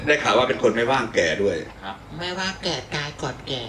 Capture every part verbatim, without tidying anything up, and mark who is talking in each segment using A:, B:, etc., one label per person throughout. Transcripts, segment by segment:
A: ได้ข่าวว่าเป็นคนไม่ว่างแก่ด้วย
B: ครับไม่ว่างแก่ตายก่อนแก่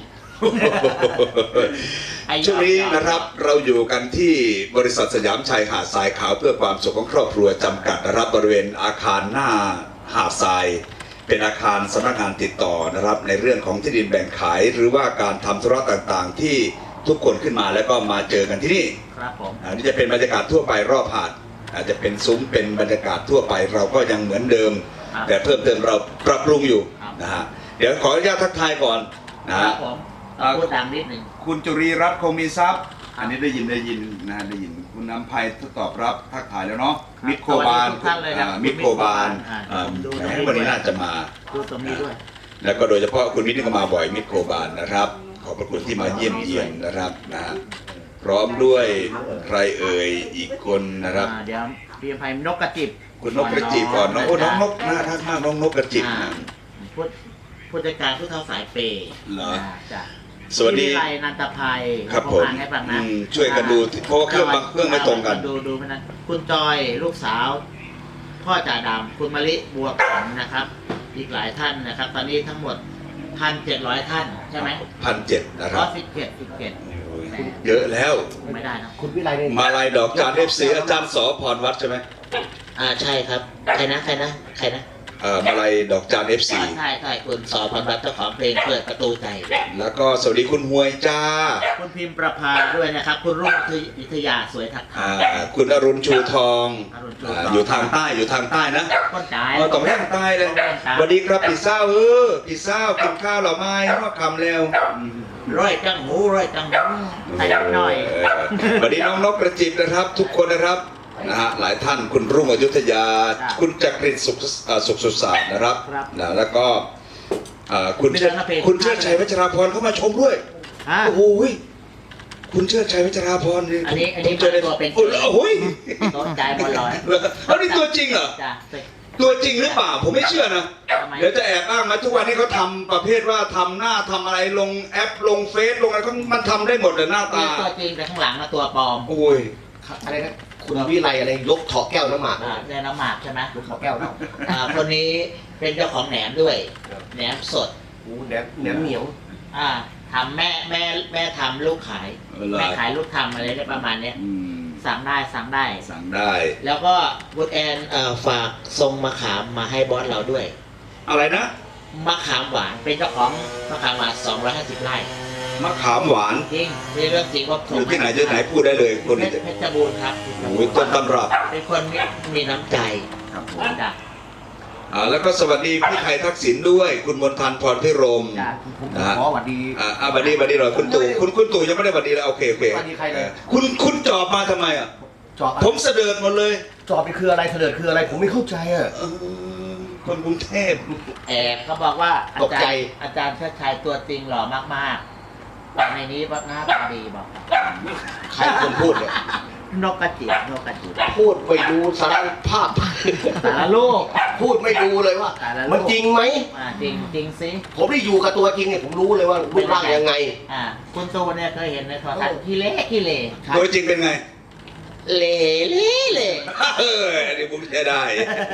A: ช่วงนี้นะครับเราอยู่กันที่บริษัทสยามชัยหาดทรายขาวเพื่อความสุขของครอบครัวจำกัดนะครับบริเวณอาคารหน้าหาดทรายเป็นอาคารสำนักงานติดต่อนะครับในเรื่องของที่ดินแบ่งขายหรือว่าการทำธุระต่างๆที่ทุกคนขึ้นมาแล้วก็มาเจอกันที่นี่
B: ครับผม
A: อันนี้จะเป็นบรรยากาศทั่วไปรอบหาดอาจจะเป็นซุ้มเป็นบรรยากาศทั่วไปเราก็ยังเหมือนเดิมแต่เพิ่มเติมเราปรับปรุงอยู่นะฮะเดี๋ยวขออนุญาตทักทายก่อนนะฮะ
B: พูดดังนิดหนึ่ง
A: คุณจุรีรัตน์คงมีทรัพย์อันนี้ได้ยินได้ยินนะได้ยินคุณน้ำภัยตอบรับทักทายแล้วเนาะมิตรโคบานมิตรโคบานวันนี้น่าจะมา
B: ดูตรงนี้ด้วย
A: แล้วก็โดยเฉพาะคุณมิตรก็มาบ่อยมิตรโคบานนะครับขอบพระคุณที่มาเยี่ยมเยียนนะครับนะพร้อมด้วยใครเอ่ยอีกคนนะครับ
B: เดี๋ยวพี่ภัยนกกระจิบ
A: คุณนกกระจิบก่อนน้องโอ้น้องนกน่ารักมากน้องนกกระจิบนะ
B: พูดผู้จัดการผู้เท่าสายเปย์
A: เหรอ
B: จ้ะ
A: สวัสดี
B: วิไลนันทภัย
A: ครับผมช่วยกันดูเพราะว่าเครื่องบางเครื่องไม่ตรงกัน
B: ดูดูนะคุณจอยลูกสาวพ่อจ่าดำคุณมะลิบัวขวัญนะครับอีกหลายท่านนะครับตอนนี้ทั้งหมดพันเจ็ดร้อยท่านใช่ไหม
A: พันเจ็ดนะครับ
B: ร้อยสิบเจ็ดสิบเจ็ด
A: เยอะแล้ว
B: ไม่ได้นะ
C: คุณวิไล
A: มาลายดอกจานเอฟซีอาจารย์สอพรวัดใช่ไหม
B: อ่าใช่ครับใครนะใครนะใครนะ
A: เอ่อมาลายดอกจานเอฟซี
B: ใช่ใช่คุณสอพรวัดเจ้าของเพลงเปิดประตูใจ
A: แล้วก็สวัสดีคุณหวยจ้า
B: คุณพิมพ์ประภาด้วยนะครับคุณรุ่งวิทยาสวยทักทาย
A: คุณอรุณชูทองอยู่ทางใต้อยู่ทางใต้นะ
B: คนใต้
A: เออตรงแรกใต้เลยสวัสดีครับพี่เศร้าเออพี่เศร้ากินข้าวหรอไม่รอดคำแล้ว
B: ร้อยจังหมูร้อยจังหมูใส่หน่อย
A: สวัสดีน้องนกกระจิบนะครับทุกคนนะครับนะฮะหลายท่านคุณรุ่งอยุธยาคุณจักรินสุขสุขสุสานนะครับนะแล้วก็คุณคุณเชิดชัยวัชราพรเข้ามาชมด้วยโอ้โหคุณเชิดชัยวัชราพร
B: นี่อันนี้อันนี้ตัวเป็น
A: โอ้โห
B: โดนใจบอลลอย
A: แล้วนี่ตัวจริงเหรอตัวจริงหรือเปล่าผมไม่เชื่อนะเดี๋ยวจะแอบอ้างมาทุกวันนี้เขาทำประเภทว่าทำหน้าทำอะไรลงแอปลงเฟซลงอะไรเขามันทำได้หมดเลยหน้าตา
B: ตัวจริงแต่ข้างหลังมาตัวปลอม
A: โอ้ย
C: อะไรนะคุณวิไลอะไรยกถอแก้วน้ำหมาก
B: เนี่ยน้ำหมากใช่ไหม
C: ยกถอแก้วน้
B: ำคนนี้เป็นเจ้าของแหนมด้วยแหนมสด
C: โอ้แหนมแหนมเหนียว
B: อ่าทำแม่แม่แม่ทำลูกขายแม่ขายลูกทำอะไรได้ประมาณเนี้ยสั่งได้สั่งได้
A: สั่งได้
B: แล้วก็บุตแอนฝากทรงมะขามมาให้บอสเราด้วย
A: อะไรนะ
B: มะขามหวานเป็นเจ้าของมะขามหวานสองร้อยห้าสิบไร่
A: มะขามหวาน
B: จริงนี่เรื่องจริงว่า
A: อยู่ที่ไหนที่ไหนพูดได้เลยคนนี้
B: เพชรบูรณ์ครับ
A: โอ้ยต้นตำรับ
B: เป็นคนมีน้ำใจ
A: ครับผมอ่าแล้วก็สวัสดีพี่ไทยทักษิณด้วยคุณมนทันพรพิรม
C: นะฮะสวัสดี
A: อ่าสวัสดีสวัสดีหน่อยคุณตู่คุณคุณตู่ยังไม่ได้สวัสดีเลยโอเคโอเค
C: สวัสดีใครเลย
A: คุณคุณจอบมาทำไมอ่ะ
C: จอบ
A: ผมเสด็จหมดเลย
C: จอบนี่คืออะไรเสด็จคืออะไรผมไม่เข้าใจอ่ะ
A: คนกรุงเทพ
B: แอบเขาบอกว่าอาจารย์อาจารย์ชัดชัยตัวจริงหล่อมากๆแต่ในนี้ว่าหน้าตาดีบอก
C: ใครคนพูดเนี่ย
B: นกกระจิบนกกระจิบ
C: พูดไปดูสารภาพ
B: สารโลก
C: พูดไม่ดูเลยว่ามันจริงไหม
B: จริงจริงสิ
C: ผมได้อยู่กับตัวจริงเนี่ยผมรู้เลยว่ารูปร่างยังไง
B: อ่าคุณตูเนี่ยเคยเห็นในโทรทัศน์ขี้เละขี้เละ
A: ตัวจริงเป็นไง
B: เละเละเละ
A: เอออันนี้ผมใช้ได้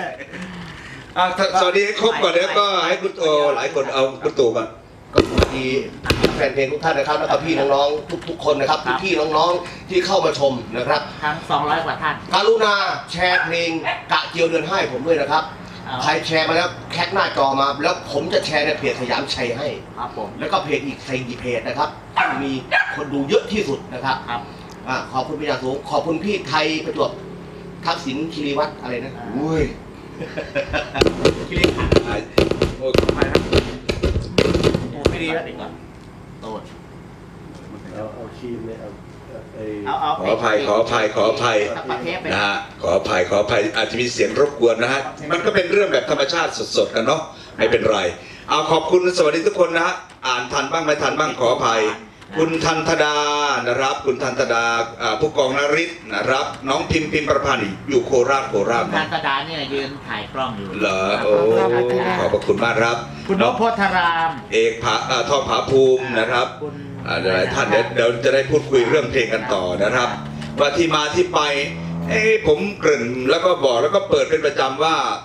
A: สวัสดีครบก่อนแล้วก็ให้คุณโตหลายคนเอาคุณตู่มา
C: ก็สวัสดีแฟนเพลงทุกท่านนะครับแล้วก็พี่น้องๆทุกๆคนนะครับพี่น้องๆที่เข้ามาชมนะครับ
B: ทั้งสองร้อยกว่าท่าน
C: กรุณาแชร์เพลงกะเจียวเดือนให้ผมด้วยนะครับใครแชร์มาแล้วแคปหน้าจอมาแล้วผมจะแชร์ในเพจสยามชัยให้
B: ครับผม
C: แล้วก็เพจอีกสี่เพจนะครับที่มีคนดูเยอะที่สุดนะครับ
B: ครับ
C: ขอบคุณพี่อย่างสูงขอบคุณพี่ไทยประจวบทักษิณคีรีวัฒน์อะไรนะ
A: อุ้ย
C: คีรีขันธ์โอ้ยไปครับไม่ดีแล้วดีกว่า
B: โตด
C: เอาเอาคีมเลยเอา
A: ขออภัยขออภัยขออภัยนะฮะขออภัยขออภัยอาจจะมีเสียงรบกวนนะฮะมันก็เป็นเรื่องแบบธรรมชาติสดๆกันเนาะไม่เป็นไรเอาขอบคุณสวัสดีทุกคนนะฮะอ่านทันบ้างไม่ทันบ้างขออภัยคุณทันธดานะครับคุณทันธดาผู้กองนฤทธิ์นะครับน้องพิมพ์พิมพ์ประพันธ์อยู่โคราชโคราช
B: ทันธดาเนี่ยยืนถ่ายกล้องอยู่
A: เหรอโอ้ขอบพระคุณมากครับ
B: คุณนพพธาราม
A: เอกผาทองผาภูมินะครับหลายท่านเดี๋ยวเดี๋ยวจะได้พูดคุยเรื่องเพลงกันต่อนะครับว่าที่มาที่ไปเอ้ผมเกริ่นแล้วก็บอกแล้วก็เปิดเป็นประจำว่า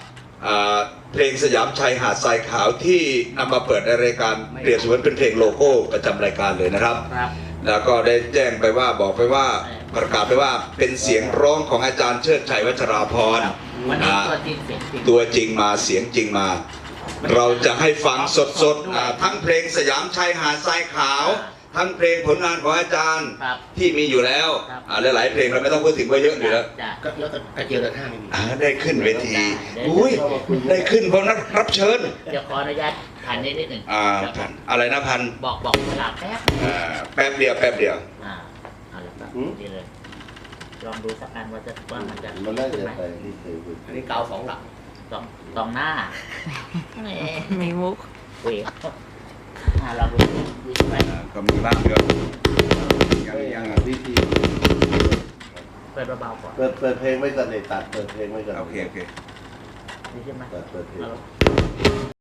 A: อ่าเพลงสยามชัยหาดทรายขาวที่นำมาเปิดในรายการเปรียบเสมือนเป็นเพลงโลโก้ประจำรายการเลยนะครับ
B: ครับ
A: แล้วก็ได้แจ้งไปว่าบอกไปว่าประกาศไปว่าเป็นเสียงร้องของอาจารย์เชิดชัยวัชราพร
B: วันนี้
A: อ่า
B: ตัวจริงเสียงจริง
A: ตัวจริงมาเสียงจริงมา เราจะให้ฟังสดๆอ่าทั้งเพลงสยามชัยหาดทรายขาว ทั้งเพลงผลงานของอาจารย์
B: ครับ
A: ที่มีอยู่แล้ว
B: ครับ
A: อ่าหลายๆเพลงเราไม่ต้องพูดถึงว่าเยอะอยู่แล้ว
B: จ้ะ
C: ก็แล้วแต่กระเจียวเดือนห้าไม่มี
A: อ่าได้ขึ้นเวที
B: ได้
A: อุ้ยได้ขึ้นเพราะนักรับเชิญ
B: เดี๋ยวขออนุญาตผ่านนิดนิดหนึ่ง
A: อ่าพันอะไรนะพัน
B: บอกบอกเวลาแป๊บ
A: อ่าแป๊บเดียวแป๊บเดียว
B: อ่าเอาละครับดีเลย ลองดูสักอันว่าจะว่ามันจะ
D: มันน่า
B: ขึ้น
D: จะ
B: ไหม
D: ไปที่เคยพูด
C: อันนี้กาวสองหลัก
B: ตองตองหน้าแหม
E: มีมุก
B: คุยอ่าลองดูดูใช่ไหม
A: อ่าก็มีบ้างเดียวยัง
D: ไม่
A: ยัง
D: หาวิธี
B: เปิดเบาๆก่อน
D: เปิดเปิดเพลงไว้ก่อนเลยตัดเปิดเพลงไว้ก่อน
A: โอเคโอเค
B: นี่ใช่ไหม
D: ตัดเปิดเพลง
B: เอา